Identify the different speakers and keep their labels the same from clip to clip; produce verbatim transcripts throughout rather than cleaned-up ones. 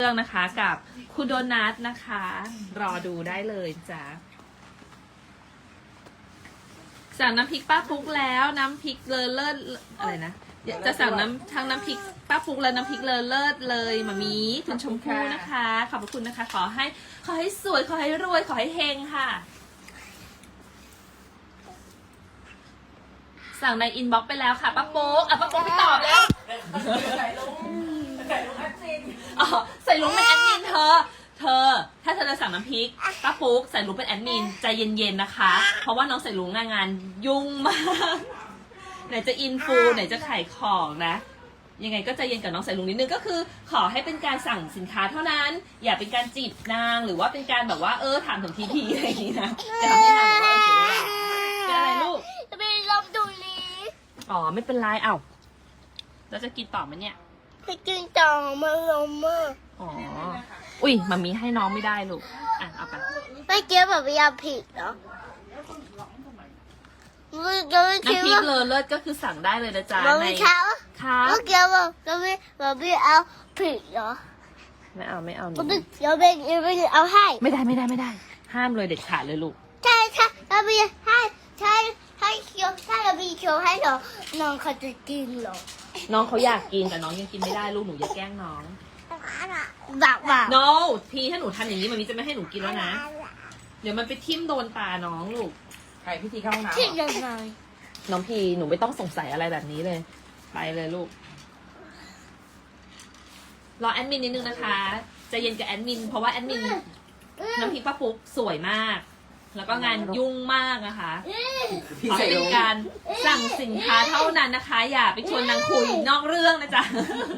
Speaker 1: เรื่องนะคะกับคุณโดนัทนะคะ รอดูได้เลยจ้ะสั่งน้ำพริกป้าปุ๊กแล้วน้ำพริกเลอเลิศอะไรนะจะสั่งน้ำทั้งน้ำพริกป้าปุ๊กและน้ำพริกเลอเลิศเลยมามีคุณชมพู่นะคะขอบพระคุณนะคะ ขอให้ขอให้สวยขอให้รวยขอให้เฮงค่ะสั่งในอินบ็อกซ์ไปแล้วค่ะป้าปุ๊กอ่ะป้าปุ๊กไปตอบแล้วใส่ลุงใส่ลุงแอดมินอ๋อใส่ลุงเป็นแอดมินเธอเธอถ้าเธอจะสั่งน้ำพริกป้าปุ๊กใส่ลุงเป็นแอดมินใจเย็นๆนะคะเพราะว่าน้องใส่ลุงงานงานยุ่งมากไหนจะอินฟูไหนจะขายของนะยังไงก็ใจเย็นกับน้องใส่ลุงนิดนึงก็คือขอให้เป็นการสั่งสินค้าเท่านั้นอย่าเป็นการจีบนางหรือว่าเป็นการแบบว่าเออถามถึงทีทีอะไรอย่างนี้นะจะทำให้นางแบบว่าเออเสียเวลาเป็นอะไรลูก
Speaker 2: จะไปลบดูลี
Speaker 1: อ๋อไม่เป็นไรเอ้าเราจะกินต่อไหมเนี่ย
Speaker 2: จะกินต่อมาลมมาก
Speaker 1: อ๋ออุ้ยมามีให้น้องไม่ได้ลูกอ่ะเอาไป
Speaker 2: ไม่เกี่ยวกับยาผิดเหรอ
Speaker 1: น้ำพริกเลอเลิศก็คือสั่งได้เลยนะจ๊ะใน
Speaker 2: ค่ะ
Speaker 1: ค่ะ
Speaker 2: ไม่เกี่ยวกับจะไม่ไม่เอาผิดเหรอ
Speaker 1: ไม่เอาไม่เอาหนู
Speaker 2: เดี๋ยวไปเดี๋ยวไปเอาให้
Speaker 1: ไม่ได้ไม่ได้ไม่ได้ห้ามเลยเด็ดขาดเลยลูก
Speaker 2: ใช่ใช่เราไปให้ใช่ให้เคี้ยวถ้าเราไปเคี้ยวให้เหรอน้องเขาจะกินเหรอ
Speaker 1: น้องเขาอยากกินแต่น้องยังกินไม่ได้ลูกหนูอย่าแกล้งน้อง
Speaker 2: บักบัก
Speaker 1: no พี่ถ้าหนูทำอย่างนี้มันมีจะไม่ให้หนูกินแล้วนะเดี๋ยวมันไปทิ่มโดนตาน้องลูก
Speaker 3: ใครพิธีเข้าห้องน้ำ
Speaker 2: ที่ยังไง
Speaker 1: น้องพีหนูไม่ต้องสงสัยอะไรแบบนี้เลยไปเลยลูกรอแอดมินนิดนึงนะคะใจเย็นกับแอดมินเพราะว่าแอดมินน้ำพริกป้าปุ๊กสวยมากแล้วก็งานยุ่งมากนะคะขอเป็นการสั่งสินค้าเท่านั้นนะคะอย่าไปชวนนางคุยนอกเรื่องนะจ๊ะ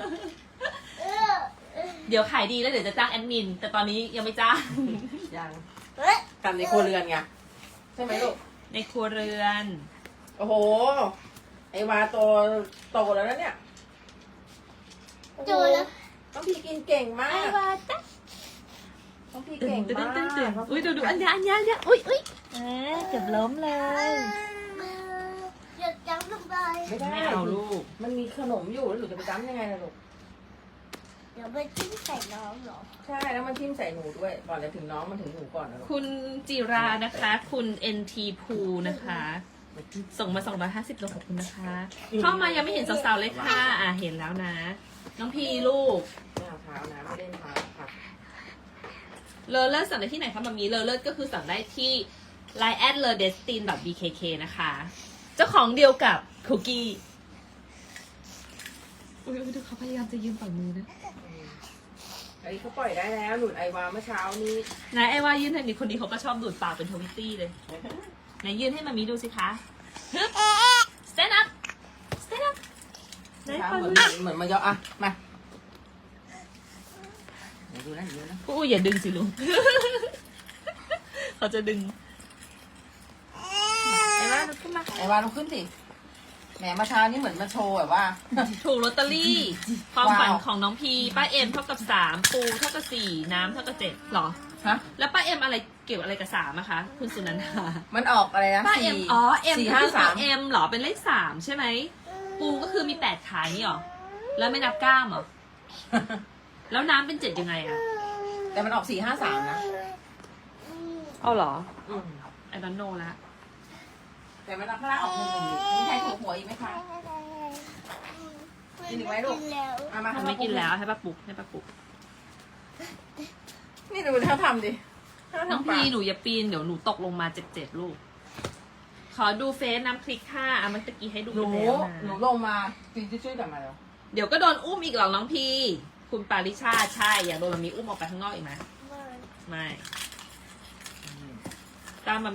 Speaker 1: เดี๋ยวขายดีแล้วเดี๋ยวจะจ้างแอดมินแต่ตอนนี้ยังไม่จ้าง
Speaker 3: ยังทำในครัวเรือนไงใช่ไหมลูก
Speaker 1: ในครัวเรือน
Speaker 3: โอ้โหไอวาโตโตแล้วนะเนี่ย
Speaker 2: โตแล้ว
Speaker 3: ต้องพี่กินเก่งมากต้องพี่เก่งมาก
Speaker 1: อุ้ยดูดูอันนี้อันนี้อันนี้อุ้ยอุ้ยเกือบล้มเลย
Speaker 2: อย่าจับลงไป
Speaker 3: ไม่ได้
Speaker 1: เอาลูก
Speaker 3: มันมีขนมอยู่แล้วหนูจะไปจ้ำยังไงล่ะลูก
Speaker 2: เดี๋ยวไปทิ้งใส่น้องเหรอ
Speaker 3: ใช่แล้วมันทิ่มใส่หนูด้วยก่อนจะถึงน้องมันถึงหนูก่อนนะลูก
Speaker 1: คุณจิรานะคะคุณ เอ็น ที พูนะคะส่งมาสองร้อยห้าสิบโลขอบคุณนะคะเข้ามายังไม่เห็นสาวๆเลยค่ะอ่ะเห็นแล้วนะน้องพีลูก
Speaker 3: ไม่เอาเท้านะไม่เล่นเท้าค่ะ
Speaker 1: เลอเลิศสั่งได้ที่ไหนคะมามีเลอเลิศก็คือสั่งได้ที่ ไลน์ แอด เลอเดสติน ดอท บี เค เค นะคะเจ้าของเดียวกับคุกกี้อุ้ยดูเขาพยายามจะยืมฝั่งมือนะ
Speaker 3: ไอ้เขาปล่อยได้แล้วหนุนไอวาเมื่อเช้านี้
Speaker 1: นายไอวายืนให้นี่คนนี้เขาก็ชอบดูดปากเป็นทวิตตี้เลยไหนยืนให้มามีดูสิคะ stand up stand up
Speaker 3: เหมือนเหมือนมันยออ่ะมาเดี๋ยวดูนะเดี๋ยวนะ
Speaker 1: อู้อย่าดึงสิลุง เขาจะดึงไอ้ว่าลุกขึ้นมา
Speaker 3: ไอ้วาลุกขึ้นสิแหมมาเช้านี้เหมือนมาโชว์แบบว่า
Speaker 1: ถูกลอตเตอรี่ความฝันของน้องพีป้าเอ็มเท่ากับสามปูเท่ากับสี่น้ำเท่ากับเจ็ดหรอ
Speaker 3: ฮะ
Speaker 1: แล้วป้าเอ็มอะไรเกี่ยวอะไรกับสามอะคะคุณสุนันทา
Speaker 3: มันออกอะไรนะ
Speaker 1: ป้าเอ็มอ๋อเอ็ม
Speaker 3: สี่
Speaker 1: ก็
Speaker 3: ห้า
Speaker 1: คือ
Speaker 3: สาม
Speaker 1: เอ็มหรอเป็นเลขสามใช่ไหมปูก็คือมีแปดขานี่หรอแล้วไม่นับก้ามหรอแล้วน้ำเป็นเจ็ดยังไงอะ
Speaker 3: แต่มันออกสี่ห้าสามนะ
Speaker 1: เอาหรอไอ้ดอนโนละ
Speaker 3: แต่มันออกข้างล่างออกหนึ่งหนึ่งมีใครถูกหัวอีกไหมคะกินอีกไหมลูก
Speaker 1: มามาไม่กินแล้วให้ป้าปุ๊กให้ป้าปุ๊ก
Speaker 3: นี่ดูเขาทำดิ
Speaker 1: น้องพีหนูอย่าปีนเดี๋ยวหนูตกลงมาเจ็บเจ็บลูกขอดูเฟซน้ำคลิกค่ะอ่ะมันตะกี้ให้ดูไปแล้วนะ
Speaker 3: หนูลงมาปีนช่วยๆกลับมาแล้ว
Speaker 1: เดี๋ยวก็โดนอุ้มอีกหรอกน้องพีคุณปาริชาใช่อยากโดนมันมีอุ้มออกไปข้างนอกอีกไหมไม่ตามมา